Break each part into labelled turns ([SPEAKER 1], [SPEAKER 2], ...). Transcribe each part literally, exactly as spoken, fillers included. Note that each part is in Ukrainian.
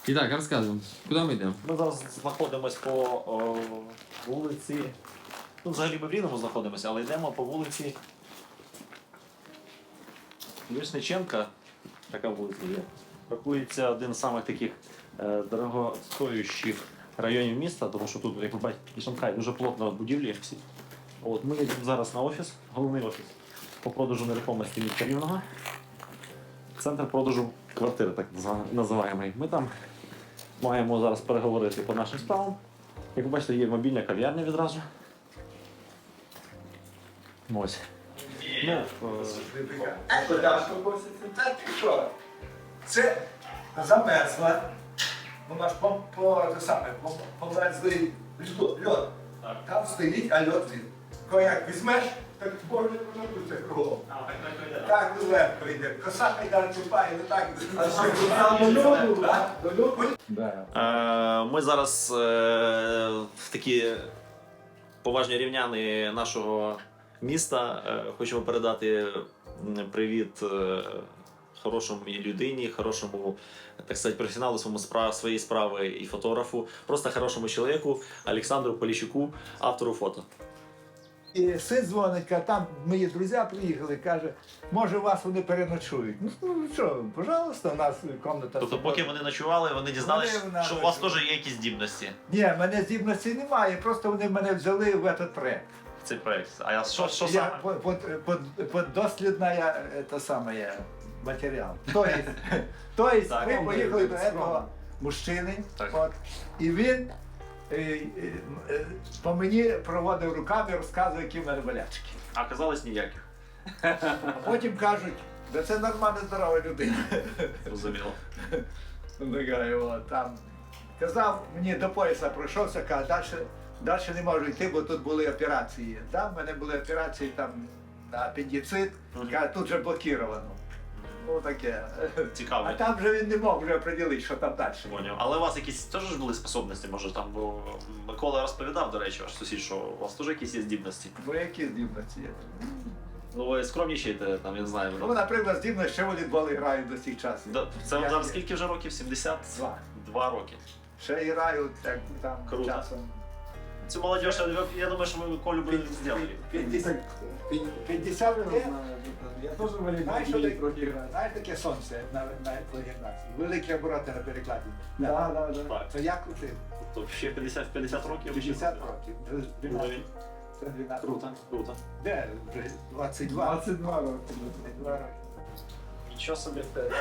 [SPEAKER 1] І так, розказуємо, куди ми йдемо?
[SPEAKER 2] Ми зараз знаходимося по о, вулиці. Ну, взагалі ми в Рівному знаходимося, але йдемо по вулиці Вишниченка. Така вулиця є. Рахується один з самих таких е, дорогостоящих районів міста, тому що тут, як ви бачите, і Шанхай, дуже плотно будівлі всі. От, ми йдемо зараз на офіс, головний офіс по продажу нерухомості міста Рівного. Центр продажу квартири, так називаємо. Ми там маємо зараз переговорити по нашим справам. Як ви бачите, є мобільна кав'ярня відразу. Ось. Ну,
[SPEAKER 3] Та ти що? Це замерзла. Вона ж по, по, те саме, по, померзлий льод. льод. Там стоїть, а льод він. Коли як візьмеш, так може воно буде кругом. Так легко йде. Коса не далі чупає, не так.
[SPEAKER 2] Е, Ми зараз е, в такі поважні рівняни нашого міста е, хочемо передати м, привіт е, хорошому людині, хорошому, так сказати, професіоналу своєму справ, своєї справи і фотографу, просто хорошому чоловіку Олександру Поліщуку, автору фото.
[SPEAKER 3] І син дзвонить, каже, там мої друзі приїхали, каже, може вас вони переночують. Ну що, пожалуйста, у нас кімната.
[SPEAKER 2] Тобто, поки вони ночували, вони дізналися,
[SPEAKER 3] Вони,
[SPEAKER 2] що у вас теж є якісь здібності.
[SPEAKER 3] Ні, в мене здібності немає, просто вони мене взяли в этот проект.
[SPEAKER 2] Цей проект. А що, що
[SPEAKER 3] Я
[SPEAKER 2] саме?
[SPEAKER 3] под, под, под, под дослідная, это самое, матеріал. То есть, то есть
[SPEAKER 2] Так,
[SPEAKER 3] ми
[SPEAKER 2] ну,
[SPEAKER 3] поїхали до
[SPEAKER 2] ми-
[SPEAKER 3] этого мужчини,
[SPEAKER 2] Так.
[SPEAKER 3] от, і він е, е, е, по мені проводив руками, розказував, які в мене болячки.
[SPEAKER 2] А казалось ніяких.
[SPEAKER 3] А потім кажуть, да це нормальна здорова людина.
[SPEAKER 2] Зрозуміло.
[SPEAKER 3] Така, от, там. Казав, мені до пояса пройшовся, каже, далі, далі не можу йти, бо тут були операції. Там в мене були операції там, на апендицит,
[SPEAKER 2] Мгм.
[SPEAKER 3] каже, тут вже блокировано. Ну таке.
[SPEAKER 2] Цікаво.
[SPEAKER 3] А там вже він не мог вже определити, що там далі.
[SPEAKER 2] Поняв. Але у вас якісь теж ж були способності, може там, бо Микола розповідав, до речі, ваш сусід, що у вас теж якісь є здібності.
[SPEAKER 3] Бо які здібності є?
[SPEAKER 2] Ну ви скромнічаєте, там, я не знаю.
[SPEAKER 3] Ну, наприклад, здібності ще волейбол грають до цих часів.
[SPEAKER 2] Да, це вам
[SPEAKER 3] Я-
[SPEAKER 2] зараз скільки вже років? сімдесят
[SPEAKER 3] Два.
[SPEAKER 2] два роки.
[SPEAKER 3] Ще грають так, там
[SPEAKER 2] Круто.
[SPEAKER 3] часом.
[SPEAKER 2] Цю молодь, я, я думаю, що ви Колю би зробили.
[SPEAKER 3] п'ятдесят п'ятдесят років.
[SPEAKER 4] Я теж волейбол
[SPEAKER 3] Знаєш, що таке?
[SPEAKER 4] трохи граю.
[SPEAKER 3] Знаєш таке сонце на, на гімнації? Великі обороти на перекладі.
[SPEAKER 4] Да, да, да.
[SPEAKER 2] Так.
[SPEAKER 3] Це я крутив.
[SPEAKER 2] Тобто ще п'ятдесят п'ятдесят років?
[SPEAKER 3] п'ятдесят років.
[SPEAKER 2] Уровень.
[SPEAKER 3] Це дванадцять.
[SPEAKER 2] Круто, круто.
[SPEAKER 3] Де? Вже двадцять два.
[SPEAKER 4] двадцять два роки.
[SPEAKER 3] двадцять два роки.
[SPEAKER 2] Нічого собі.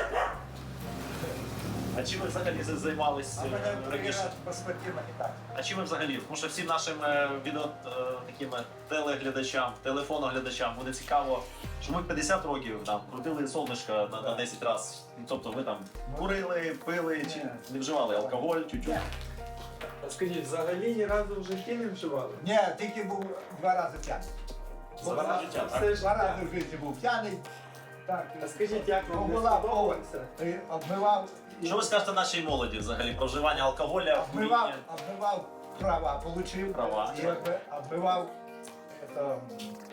[SPEAKER 2] А чим ви взагалі займались
[SPEAKER 3] А
[SPEAKER 2] е,
[SPEAKER 3] мене
[SPEAKER 2] раніше?
[SPEAKER 3] перевіряють по спортивному і так.
[SPEAKER 2] А чим ви взагалі? Тому що всім нашим е, відео е, таким е, телеглядачам, телефоноглядачам буде цікаво, що ми п'ятдесят років там крутили сонечко на, на десять разів. Тобто ви там курили, пили чи
[SPEAKER 3] Ні.
[SPEAKER 2] не вживали алкоголь, тютю.
[SPEAKER 3] Ні.
[SPEAKER 4] А скажіть, взагалі ні разу в житті не вживали?
[SPEAKER 3] Ні, тільки був два рази п'яний.
[SPEAKER 2] За раз життя, так?
[SPEAKER 4] Все
[SPEAKER 3] Два рази
[SPEAKER 4] життя.
[SPEAKER 3] в житті був п'яний. Так.
[SPEAKER 4] А скажіть, як вам не
[SPEAKER 3] Була
[SPEAKER 4] сподобалося?
[SPEAKER 3] І обмивав. і-
[SPEAKER 2] Що ви скажете нашій молоді взагалі про вживання алкоголя,
[SPEAKER 3] Обмивав,
[SPEAKER 2] куріння?
[SPEAKER 3] обмивав права, получив.
[SPEAKER 2] Права,
[SPEAKER 3] І
[SPEAKER 2] так.
[SPEAKER 3] обби- обмивав это, м,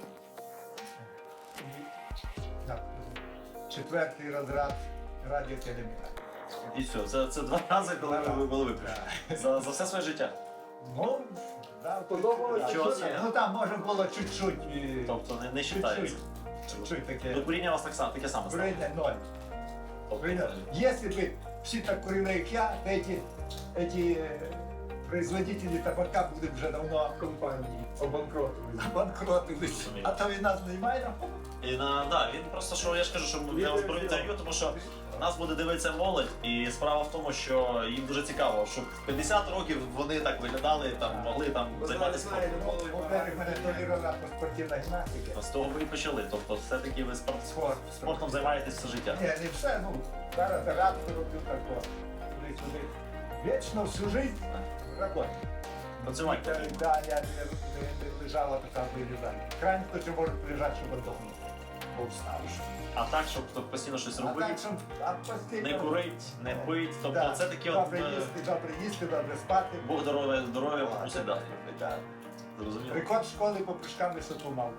[SPEAKER 3] і- так, четвертий розряд радіотелеміра.
[SPEAKER 2] І все, це, це два рази, коли ви були випущені. За, за все своє життя.
[SPEAKER 3] Ну, да,
[SPEAKER 4] Подобалось?
[SPEAKER 3] да,
[SPEAKER 2] Чого
[SPEAKER 3] що
[SPEAKER 2] ні?
[SPEAKER 3] там? Ну там може було чуть-чуть. і-
[SPEAKER 2] Тобто не, не
[SPEAKER 3] Чуть-чуть.
[SPEAKER 2] вважається.
[SPEAKER 3] Чуть-чуть таке.
[SPEAKER 2] До куріння у вас так само, таке саме стало.
[SPEAKER 3] Курение ноль. Курение. Если бы все так курили, как я, то эти, эти э, производители табака были уже давно
[SPEAKER 4] Компанії обанкротили.
[SPEAKER 3] обанкротились. А то і нас немає.
[SPEAKER 2] І на да, він просто що я ж кажу, що я вас про інтерв'ю, тому що нас буде дивитися молодь, і справа в тому, що їм дуже цікаво, що в п'ятдесят років вони так виглядали, там могли там займатися спортом.
[SPEAKER 3] Во-первых, мене толерувала спортивна гімнастика.
[SPEAKER 2] З того ви і почали. Тобто все-таки ви спорт,
[SPEAKER 3] Спорт.
[SPEAKER 2] спортом займаєтесь все життя.
[SPEAKER 3] Ні, не все, ну, зараз радку роблю тако. Туди-сюди. Вічно всю жизнь робота.
[SPEAKER 2] Працювати.
[SPEAKER 3] Да, я не, не, не лежала така вилізання. Крайне хто може лежати, щоб отдохнути. Бо встав.
[SPEAKER 2] А так, щоб хто постійно щось
[SPEAKER 3] А так,
[SPEAKER 2] робити,
[SPEAKER 3] щоб а постійно-
[SPEAKER 2] не курить, не пить. Тобто
[SPEAKER 3] Да.
[SPEAKER 2] це такі от
[SPEAKER 3] Добре
[SPEAKER 2] е,
[SPEAKER 3] їсти, добре їсти, добре спати.
[SPEAKER 2] Бог здоров'я здоров'я
[SPEAKER 3] А,
[SPEAKER 2] мусить дати.
[SPEAKER 3] да.
[SPEAKER 2] Зрозуміло.
[SPEAKER 3] Рекорд школи по прыжкам висоту мав.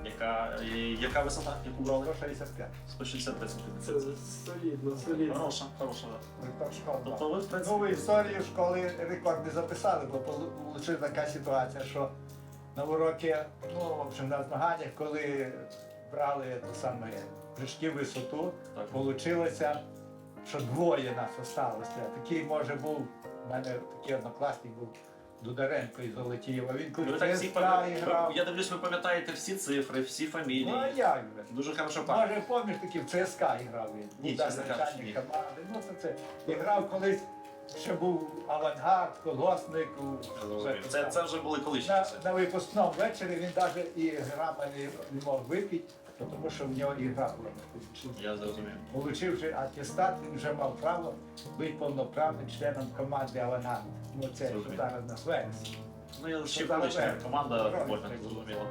[SPEAKER 2] Яка, і яка висота, яку брали?
[SPEAKER 3] сто шістдесят п'ять.
[SPEAKER 2] сто шістдесят п'ять
[SPEAKER 4] Це
[SPEAKER 2] сантиметрів.
[SPEAKER 4] солідно, солідно.
[SPEAKER 2] Хороша, хороша. да.
[SPEAKER 3] Рекорд школи.
[SPEAKER 2] Тобто ви, в
[SPEAKER 3] Ну,
[SPEAKER 2] принципі,
[SPEAKER 3] в історії школи рекорд не записали, бо вийшла така ситуація, що на уроки, ну, в общем, на змаганнях, коли брали те саме прыжки в висоту,
[SPEAKER 2] Так.
[SPEAKER 3] вийшло, що двоє нас осталося. Такий, може, був, у мене такий однокласник був Дударенко із Золотієва. Він
[SPEAKER 2] ви
[SPEAKER 3] коли
[SPEAKER 2] так всі
[SPEAKER 3] ЦСКА
[SPEAKER 2] пам'ятаєте.
[SPEAKER 3] грав.
[SPEAKER 2] Я дивлюсь, ви пам'ятаєте всі цифри, всі фамілії.
[SPEAKER 3] Ну, а як же?
[SPEAKER 2] Дуже хорошо пам'ятаєте.
[SPEAKER 3] Може, пам'ятаєш, такий в ЦСКА грав він.
[SPEAKER 2] Ні,
[SPEAKER 3] Був
[SPEAKER 2] чесно кажучи, ні.
[SPEAKER 3] начальник команди. Ну, це це. І грав колись, ще був авангард, колгоспник. у-
[SPEAKER 2] Це, це вже були колишні
[SPEAKER 3] На,
[SPEAKER 2] часи.
[SPEAKER 3] на випускному вечорі він навіть і грама не, не мог випити, тому що в нього ігра була.
[SPEAKER 2] Я зрозумів.
[SPEAKER 3] Получивши атестат, він вже мав право бути повноправним членом команди «Авангард». Ну, це що
[SPEAKER 2] Зрозумів.
[SPEAKER 3] зараз на Свенсі.
[SPEAKER 2] Ну, я ще
[SPEAKER 3] Що зараз
[SPEAKER 2] колишня
[SPEAKER 3] Верес.
[SPEAKER 2] команда
[SPEAKER 3] Правильно,
[SPEAKER 2] футбольна,
[SPEAKER 3] так було.
[SPEAKER 2] зрозуміло.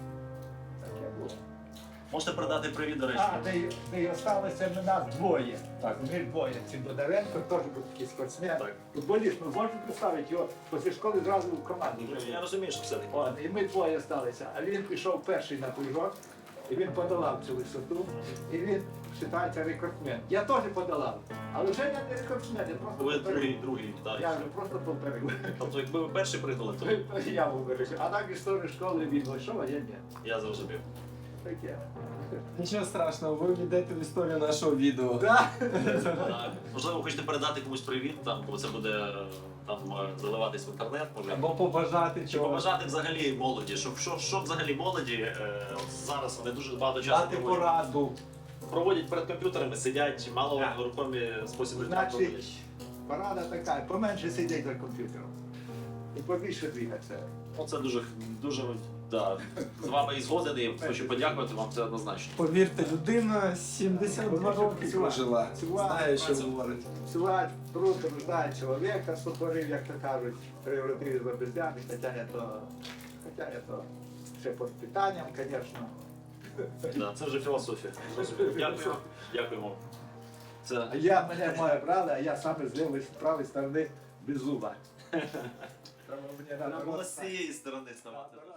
[SPEAKER 3] Таке було.
[SPEAKER 2] Можете передати привіт, до речі.
[SPEAKER 3] А, де, й- де й осталося в нас двоє.
[SPEAKER 2] Так.
[SPEAKER 3] Ми двоє. Ці Бондаренко теж був такий спортсмен.
[SPEAKER 2] Так.
[SPEAKER 3] Футболіст, ну можете представити його після школи зразу в команду.
[SPEAKER 2] Я розумію, що все-таки.
[SPEAKER 3] От, і ми двоє сталися. А він пішов перший на прыжок, і він подолав цю висоту, і він вважається рекордсмен. Я теж подолав, але вже я не рекордсмен, я просто
[SPEAKER 2] Ви
[SPEAKER 3] повторив.
[SPEAKER 2] другий, другий, так.
[SPEAKER 3] Я вже просто повторив.
[SPEAKER 2] Тобто, якби ви перший придали, то
[SPEAKER 3] Я був вирішив. А так в історії школи він вийшов, а я ні.
[SPEAKER 2] я зрозумів.
[SPEAKER 3] Таке.
[SPEAKER 4] Нічого страшного, ви війдете в історію нашого відео.
[SPEAKER 3] Да.
[SPEAKER 2] Так. Можливо, хочете передати комусь привіт, там, коли це буде е, там е, заливатись в інтернет, може.
[SPEAKER 4] Або побажати
[SPEAKER 2] Чи
[SPEAKER 4] чого.
[SPEAKER 2] побажати взагалі молоді, щоб що, що взагалі молоді е, от зараз вони дуже багато часу
[SPEAKER 4] Дати
[SPEAKER 2] проводять,
[SPEAKER 4] пораду.
[SPEAKER 2] проводять перед комп'ютерами, сидять, мало
[SPEAKER 3] Так.
[SPEAKER 2] рухомі способи життя
[SPEAKER 3] Значить,
[SPEAKER 2] проводять.
[SPEAKER 3] порада така, поменше сидіть за комп'ютером. І побільше двигатися.
[SPEAKER 2] Ну, це дуже дуже да. З вами і згоден, і хочу подякувати вам, це однозначно.
[SPEAKER 4] Повірте, людина сімдесят два роки прожила. Знає, що говорить.
[SPEAKER 3] Працювати трудно ждать чоловіка, сотворив, як то кажуть, превратив за бездями, хоча не то, хоча не то ще під питанням, звісно.
[SPEAKER 2] Да, це вже філософія. Зрозуміло. Дякую. Дякуємо. Це
[SPEAKER 3] А я, мене моє брали, а я саме з лівої, з правої сторони без зуба. Тому мені
[SPEAKER 2] треба
[SPEAKER 3] треба
[SPEAKER 2] було з цієї сторони ставати.